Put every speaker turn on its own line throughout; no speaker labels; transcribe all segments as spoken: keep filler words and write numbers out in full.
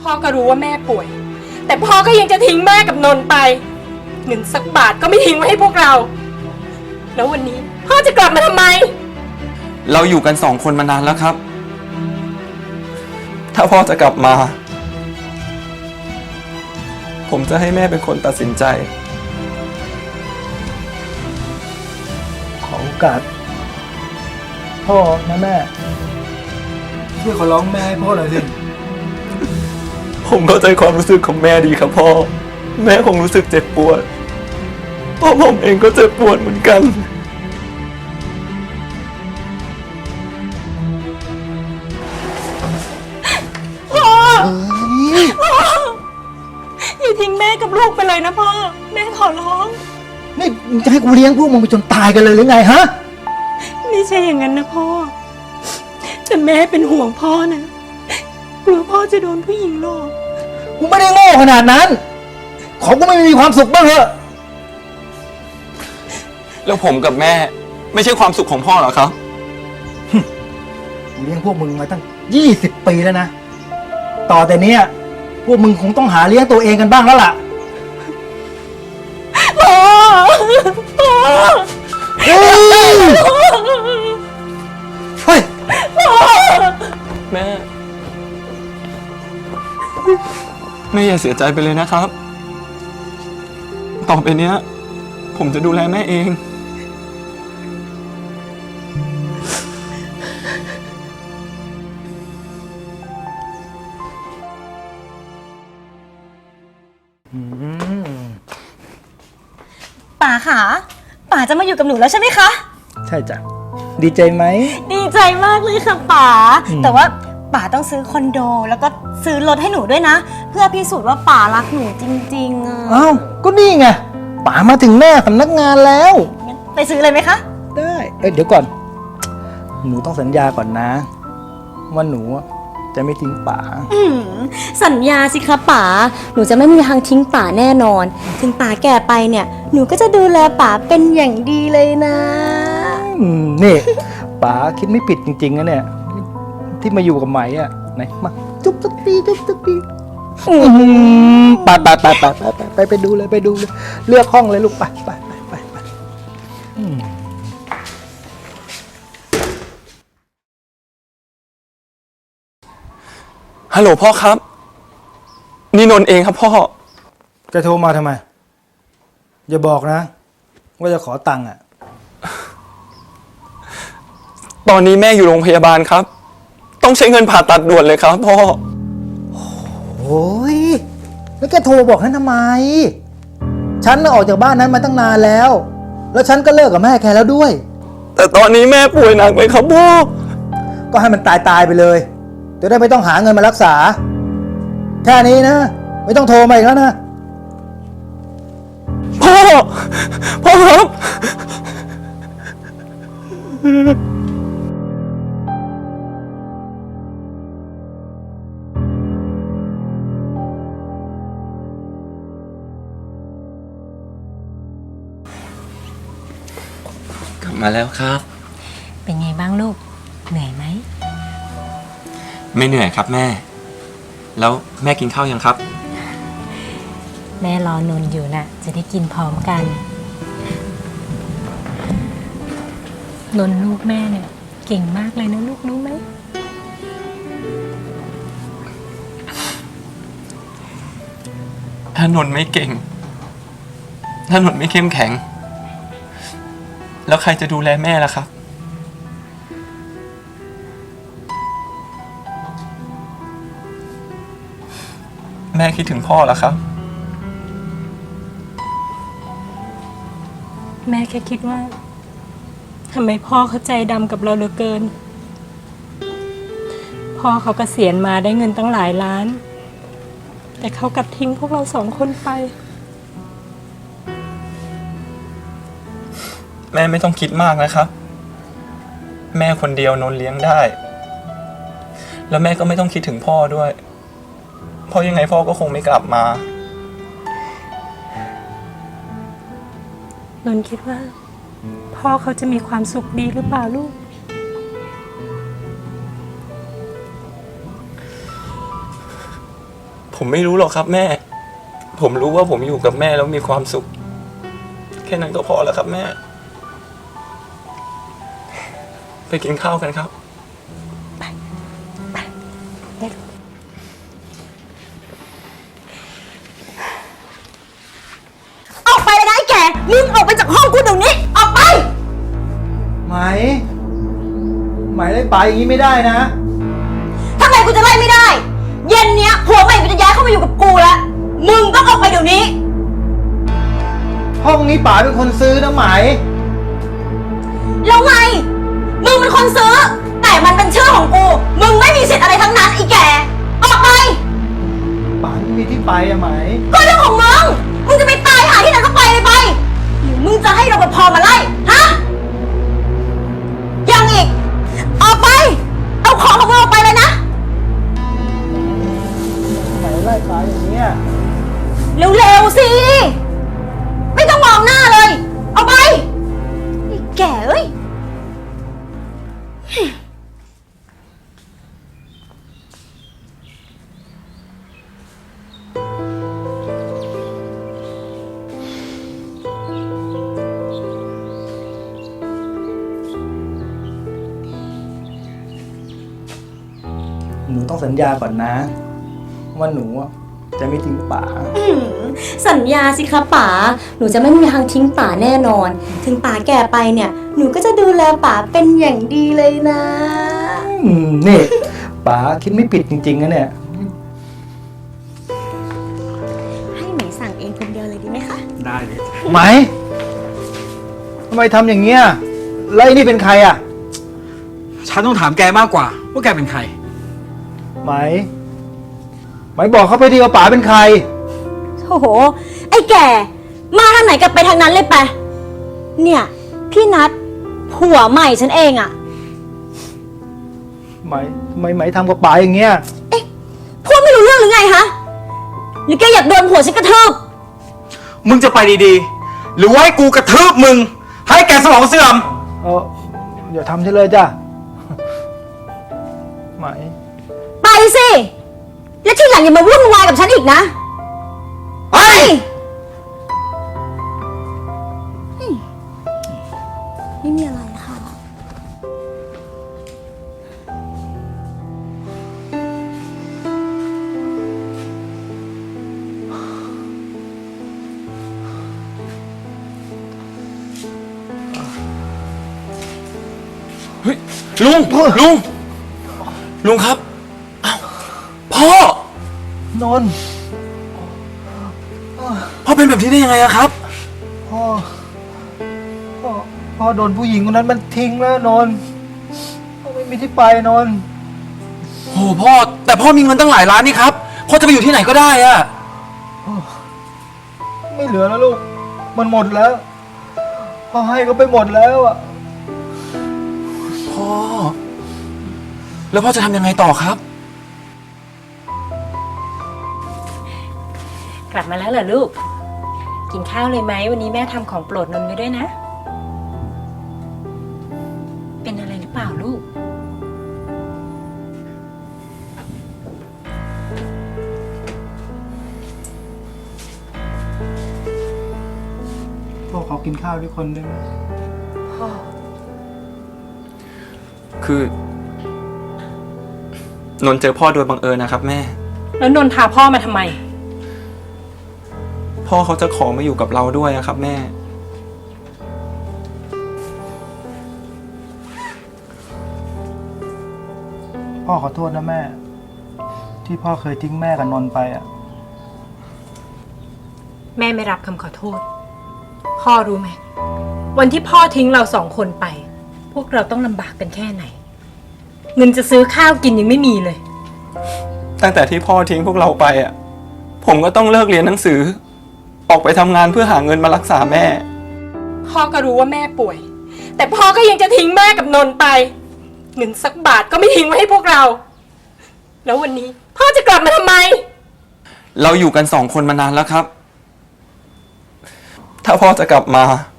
พ่อก็รู้ว่าแม่ป่วยแต่พ่อก็ยังจะทิ้งแม่กับนนท์ไปเงินสักบาทก็ไม่ทิ้งไว้ให้พวกเราแล้ววันนี้พ่อจะกลับมาทำไม
เราอยู่กันสองคนมานานแล้วครับถ้าพ่อจะกลับมาผมจะให้แม่เป็นคนตัดสินใจ
ขอโอกาสพ่อนะแม่ช่วยขอร้องแม่ให้พ่อหน่อยสิ
ผมเข้าใจความรู้สึกของแม่ดีครับพ่อแม่คงรู้สึกเจ็บปวดเพราะผมเองก็เจ็บปวดเหมือนกัน
พ่อพ่ออย่าทิ้งแม่กับลูกไปเลยนะพ่อแม่ขอร้อง
นี่มึงจะให้กูเลี้ยงพวกมึงไปจนตายกันเลยหรือไงฮะ
ไม่ใช่อย่างนั้นนะพ่อแต่แม่เป็นห่วงพ่อนะกลัวพ่อจะโดนผู้หญิงหลอก
กูไม่ได้โง่ขนาดนั้นขอกูไม่มีความสุขบ้างเหรอ
แล้วผมกับแม่ไม่ใช่ความสุขของพ่อเหรอครับ
กูเลี้ยงพวกมึงมาตั้งยี่สิบปีแล้วนะต่อแต่เนี้ยพวกมึงคงต้องหาเลี้ยงตัวเองกันบ้างแล้วล่ะ
พ่อพ่อ
เฮ้ยเฮ้ย
แม่แม่อย่าเสียใจไปเลยนะครับต่อไปเนี้ยผมจะดูแลแม่เอง
ป๋าค่ะป๋าจะมาอยู่กับหนูแล้วใช่ไหมคะ
ใช่จ้ะดีใจไหม
ดีใจมากเลยค่ะป๋าแต่ว่าป๋าต้องซื้อคอนโดแล้วก็ซื้อรถให้หนูด้วยนะเพื่อพิสูจน์ว่าป๋ารักหนูจริงๆอ่ะ
อ้าวก็นี่ไงป๋ามาถึงหน้าสำนักงานแล้ว
ไปซื้อเลยไหมคะ
ได้เอ้ยเดี๋ยวก่อนหนูต้องสัญญาก่อนนะว่าหนูจะไม่ทิ้งป๋า
สัญญาสิคะป๋าหนูจะไม่มีทางทิ้งป๋าแน่นอนถึงป๋าแก่ไปเนี่ยหนูก็จะดูแลป๋าเป็นอย่างดีเลยนะ
นี่ป๋าคิดไม่ผิดจริงๆนะเนี่ยที่มาอยู่กับไหมอ่ะไหนมาจุ๊บสักทีจุ๊บสักทีไปไปไปไปไปไปไปดูเลยไปดูเลยเลือกห้องเลยลูกไปไปไปไปไป
ฮัลโหลพ่อครับนี่นนท์เองครับพ่อ
จะโทรมาทำไมอย่าบอกนะว่าจะขอตังค์อ่ะ
ตอนนี้แม่อยู่โรงพยาบาลครับต้องใช้เงินผ่าตัดด่วนเลยครับพ่อ
โอ้ยแล้วแกโทรบอกนั้นทำไมฉันน่ะออกจากบ้านนั้นมาตั้งนานแล้วแล้วฉันก็เลิกกับแม่แกแล้วด้วย
แต่ตอนนี้แม่ป่วยหนักเลยครับพ่อ
ก็ให้มันตายตายไปเลยจะได้ไม่ต้องหาเงินมารักษาแค่นี้นะไม่ต้องโทรมาอีกแล้วนะ
พ่อพ่อครับกลับมาแล้วครับ
เป็นไงบ้างลูกเหนื่อยไหม
ไม่เหนื่อยครับแม่แล้วแม่กินข้าวยังครับ
แม่รอนนอยู่น่ะจะได้กินพร้อมกันนนลูกแม่เนี่ยเก่งมากเลยนะลูกรู้ไหม
ถ้านนไม่เก่งถ้านนไม่เข้มแข็งแล้วใครจะดูแลแม่ล่ะครับแม่คิดถึงพ่อเหรอครับ
แม่แค่คิดว่าทำไมพ่อเขาใจดำกับเราเหลือเกินพ่อเขาเกษียณมาได้เงินตั้งหลายล้านแต่เขากลับทิ้งพวกเราสองคนไป
แม่ไม่ต้องคิดมากนะครับแม่คนเดียวนนเลี้ยงได้แล้วแม่ก็ไม่ต้องคิดถึงพ่อด้วยเพราะยังไงพ่อก็คงไม่กลับมาน
นคิดว่าพ่อเขาจะมีความสุขดีหรือเปล่าลูก
ผมไม่รู้หรอกครับแม่ ผมรู้ว่าผมอยู่กับแม่แล้วมีความสุข แค่นั้นก็พอแล้วครับแม่ ไปกินข้าวกันครับ
ออกไปเลยนะไอ้แกมึงออกไปจากห้องกูเดี๋ยวนี้ ออกไป
ไหม ไหมไล่ป๋าอย่างนี้ไม่ได้นะ
ทำไมกูจะไล่ไม่ได้ เย็นเนี้ยผัวใหม่กูจะย้ายเข้ามาอยู่กับกูแล้ว มึงต้องออกไปเดี๋ยวนี้
ห้องนี้ป๋าเป็นคนซื้อนะไหม
แล้วไง มึงเป็นคนซื้อ แต่มันเป็นชื่อของกู มึงไม่มีสิทธิ์อะไรทั้งนั้นไอ้แก ออกไป
ป๋าไม่มีที่ไปอะไหม
ก็เรื่องของมึง มึงจะไปตายหาที่ไหนก็ไปเลยไป หรือมึงจะให้รปภมาไล่ ฮะ ยังอีก ออกไป เอาของของมึงออกไปเลยนะ
ไหมไล่ป๋าอย่างเนี้ย
เร็วๆสิ ไม่ต้องมองหน้าเลย เอาไปไอ้แก่เอ้ย
หนูต้องสัญญาก่อนนะ ว่าหนูอะจะไม่ทิ้งป๋า
อื้อหือสัญญาสิคะป๋า หนูจะไม่มีทางทิ้งป๋าแน่นอน ถึงป๋าแก่ไปเนี่ย หนูก็จะดูแลป๋าเป็นอย่างดีเลยนะ
อืมนี่ป๋าคิดไม่ผิดจริงๆนะเนี่ย
ให้ไหมสั่งเองคนเดียวเลยดีไหมคะ
ได้เลยไหมทำไมทำอย่างเงี้ยแล้วไอ้นี่เป็นใครอ่ะ
ฉันต้องถามแกมากกว่า ว่าแกเป็นใคร
ไหม ไหมบอกเขาไปดีว่าป๋าเป็นใคร
โอ้โห ไอ้แก่ มาทางไหนกลับไปทางนั้นเลยไป เนี่ย พี่นัดผัวใหม่ฉันเองอะ
ไหมทำไมไหมทำกับป๋าอย่างเงี้ย
เอ๊ะพูดไม่รู้เรื่องหรือไงฮะ หรือแกอยากโดนผัวฉันกระทืบ
มึงจะไปดีๆ หรือว่าให้กูกระทืบมึง ให้แกสมองเสื่อม
เอออย่าทำฉันเลยจ้ะ ไหม
ไปสิ และทีหลังอย่ามาวุ่นวายกับฉันอีกนะ
เฮ้ย
ไม่มีอะไรค่ะ
เฮ้ยลุง ลุง ลุงครับอ้าวพ่อ
นนท์
พ่อเป็นแบบนี้ได้ยังไงอะครับ
พ่อ พ่อ พ่อโดนผู้หญิงคนนั้นมันทิ้งแล้วนนท์พ่อไม่มีที่ไปนนท์
โหพ่อ แต่พ่อมีเงินตั้งหลายล้านนี่ครับ พ่อจะไปอยู่ที่ไหนก็ได้อะ
ไม่เหลือแล้วลูก มันหมดแล้ว พ่อให้ก็ไปหมดแล้วอ่ะ
พ่อ แล้วพ่อจะทำยังไงต่อครับ
กลับมาแล้วเหรอลูก กินข้าวเลยไหมวันนี้แม่ทำของโปรดนนท์ไว้ด้วยนะ เป็นอะไรหรือเปล่าลูก
พ่อขอกินข้าวด้วยคนได้ไหม
พ่อ
คือ นนท์เจอพ่อโดยบังเอิญนะครับแม่
แล้วนนท์พาพ่อมาทำไม
พ่อเขาจะขอมาอยู่กับเราด้วยอะครับแม่
พ่อขอโทษนะแม่ ที่พ่อเคยทิ้งแม่กับนนท์ไปอ่ะ
แม่ไม่รับคำขอโทษ พ่อรู้ไหม วันที่พ่อทิ้งเราสองคนไป พวกเราต้องลำบากกันแค่ไหน เงินจะซื้อข้าวกินยังไม่มีเลย
ตั้งแต่ที่พ่อทิ้งพวกเราไปอ่ะ ผมก็ต้องเลิกเรียนหนังสือ ออกไปทำงานเพื่อหาเงินมารักษาแม่
พ่อก็รู้ว่าแม่ป่วย แต่พ่อก็ยังจะทิ้งแม่กับนนท์ไป เงินสักบาทก็ไม่ทิ้งไว้ให้พวกเรา แล้ววันนี้ พ่อจะกลับมาทำไม
เราอยู่กันสองคนมานานแล้วครับ ถ้าพ่อจะกลับมา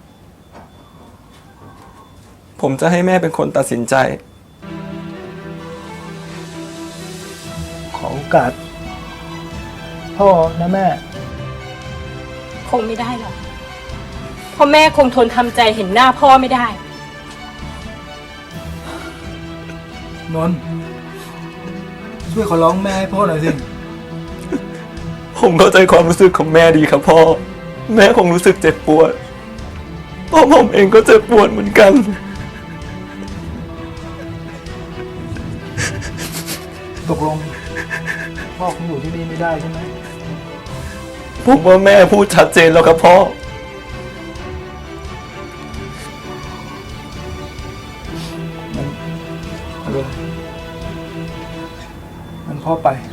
ผมจะให้แม่เป็นคนตัดสินใจ
ขอโอกาสพ่อนะแม่
คงไม่ได้หรอกเพราะแม่คงทนทำใจเห็นหน้าพ่อไม่ได้
นนท์ช่วยขอร้องแม่ให้พ่อหน่อยสิ
ผมเข้าใจความรู้สึกของแม่ดีครับพ่อ แม่คงรู้สึกเจ็บปวดเพราะผมเองก็เจ็บปวดเหมือนกัน
ตกลง พ่อคงอยู่ที่นี่ไม่ได้ใช่ไหม
ผมว่าแม่พูดชัดเจนแล้วครับพ่อ
มันไม่เป็นไรมันพ่อไป